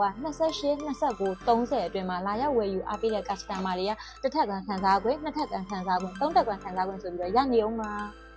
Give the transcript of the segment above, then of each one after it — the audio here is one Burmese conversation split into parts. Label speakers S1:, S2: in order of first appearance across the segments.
S1: 28 29 30အတွင်းမှာလာရောက်ဝယ်ယူအားပေးတဲ့ customer တွေကတစ်ထပ်ကန်ခံစားခွင့်နှစ်ထပ်ကန်ခံစားခွင့်သုံးထပ်ကန်ခံစားခွင့်ဆိုပြီးတော့ရနေအောင်ပါ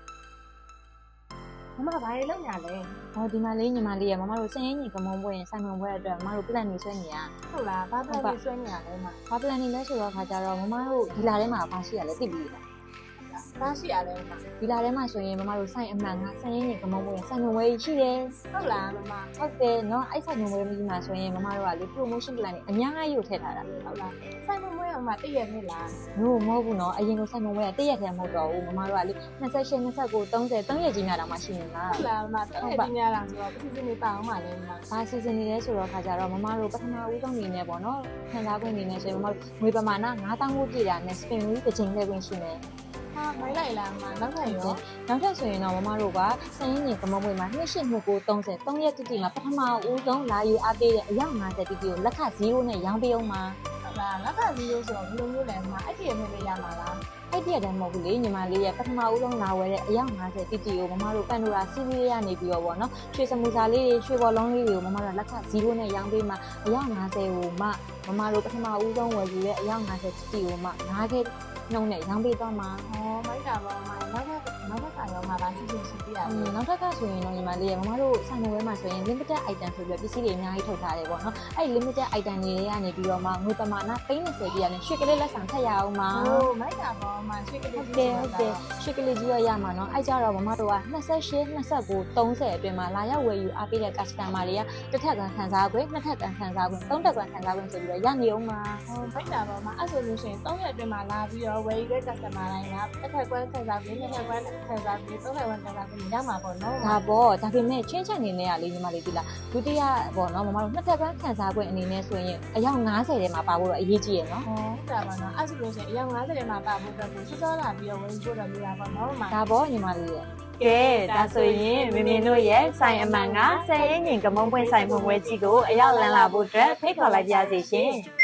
S2: မမဘာတွေလုပ်ညာလဲ
S1: ဟောဒီမှာလေးညီမလေးရမမတို့စင်ရင်းညီကမုံပွဲရင်ဆိုင်မုံပွဲအတွက်မမတို့ plan နေဆွဲနေရ
S2: ဟုတ်လားဘာplan တွေဆွဲနေရလဲမ
S1: ဘာ plan နေလဲဆိုတော့ခါကြတော့မမတို့ဒီလာထဲမှာဘာရှိရလဲသိပြီလား
S2: ဘာရှိရလဲမ
S1: ဒီလာထဲမှာဆိုရင်မမတို့ဆိုင်အမှန်ကစင်ရင်းညီကမုံပွဲရင်ဆိုင်မုံပွဲရှိတယ်
S2: ဟုတ်လားမမ
S1: ဟုတ်တယ်เนาะအဲ့ဆိုင်မုံပွဲကြီးမှာဆိုရင်မမတို့ကလေ promotion plan တွေအများကြီးကိုထည့်ထားတာ
S2: ဟုတ်လားဆိုင်မမွေးအောင်မတည့်ရနေလား
S1: လို့မဟုတ်ဘူးเนาะအရင်ကဆိုင်မုံပွဲကတည့်ရက်ထဲမဟုတ်တော့ဘူးမမတို့ကလေ28 29 30 3ရက်ကြီးများတောင်မှရှိနေလား
S2: ဟုတ်လားမတည့်ရကြီးများလားဆိုတော့အစီအစဉ်တွေပါအောင်ပါလဲမ
S1: ဘာစီစဉ်နေလဲဆိုတော့ခါကြတော့မမတို့ပထမဦးဆုံးနေနဲ့ပေါ့နော်ခံစားခွင့်နေနဲ့ဆိုရင်မမတို့ငွေပမာဏ9000ကိုပြည့်တာနဲ့ spin wheel တစ်ချိန်လေးခွင့်ရှိမယ်
S2: ဟာမိုင်းလိုက်လားမနောက်ထပ်ရော
S1: နောက်ထပ်ဆိုရင်တော့မမတို့ကစရင်ရင်ကမမွေမှာ282930 3ရက်တိတိမှာပထမဦးဆုံးလာယူအားပေးတဲ့အယောက်50တိတိကိုလက်ခ0နဲ့ရောင်းပေးအောင်ပါ
S2: ဟုတ်လားလက်က0ဆိုတော့ဘယ်လိုမျိုးလဲမအဲ့ဒီရမယ်ရမှာလား
S1: အဲ့ဒီအတိုင်းမဟုတ်ဘူးလေညီမလေးရဲ့ပထမဦးဆုံးလာဝယ်တဲ့အယောက်50တိတိကိုမမတို့ပန်ဒိုရာစီးရီးကနေပြီးတော့ဗောနော်ရွှေစမူစာလေးတွေရွှေဘော်လုံးလေးတွေကိုမမတို့လက်ခ0နဲ့ရောင်းပေးမှာအယောက်50ကိုမမတို့ပထမဦးဆုံးဝယ်ယူတဲ့အယောက်50တိတိကို9ခဲနှုံးနဲ့ရောင်းပေးသွားမှာ
S2: ဟောမိုက်တာပါမနောက်ထပ်ရောမှာပါစီစဉ်စီပြရမယ်
S1: နောက်ထပ်ကဆိုရင်တော့ညီမလေးရမမတို့ဆိုင်မဝဲမှာဆိုရင် limited item ဆိုပြီးပစ္စည်းတွေအများကြီးထုတ်ထားတယ်ပေါ့နော်အဲ့ limited item တွေကနေပြီးတော့မှငွေပမာဏ30ပြည့်ရတယ်ရွှေကလေးလက်ဆောင်ထည့်ရအောင်ပါ
S2: ဟိုမိုက်တာပါမရွှေကလေး
S1: ဟုတ်တယ်ရွှေကလေးကြီးရရမှာနော်အဲ့ကြတော့မမတို့က28 29 30အတွင်းမှာလာရောက်ဝယ်ယူအားပေးတဲ့ customer တွေကတစ်ထပ်ကန်ခံစားခွင့်နှစ်ထပ်ကန်ခံစားခွင့်သုံးထပ်ကန်ခံစားခွင့်ဆိုပြီးတော့ရနေအောင်ပါ
S2: ဟိုမိုက်တာပါမအဲ့ဆိုလို့ရှိရင်3ရက်အတွင်းမှာလာပြီးတော့ဝယ်ယူတဲ့ customer တိုင်းကတစ်ခါကွန်းခံစားပြီးနှစ်ခါကွန်းခံစားပြီး3ခါကွန်းခံစားပြီးရမှာပေါ့နော်
S1: ဒါပေါ့ဒါပေမဲ့ချင်းချက်နေနဲ့ကလေညီမလေးဒီလားဒုတိယပေါ့နော်မမတို့နှစ်ထပ်ကန်ခံစားခွင့်အနေနဲ့ဆိုရင်အယောက်90ထဲမှာပါဖို့တော့အရေးကြီးရယ်နော်
S2: ဟုတ်တာပါနော်အဲ့ဆိုလို့ရှိရင်အယောက်50ထဲမှာပါဖို့အတွက်ကိုစောစောလာပြီးတော့ဝယ်ဖို့တော့ပြရပါတော့မှာ
S1: ဒါပေါ့ညီမလေးရဲ့
S3: ကဲဒါဆိုရင်မင်းတို့ရဲ့ဆိုင်အမှန်ကဆယ်ရင်ငင်ကမုံပွင့်ဆိုင်ဖွင့်ပွဲကြီးကိုအရောက်လန်းလာဖို့အတွက်ဖိတ်ခေါ်လိုက်ပါရစေရှင်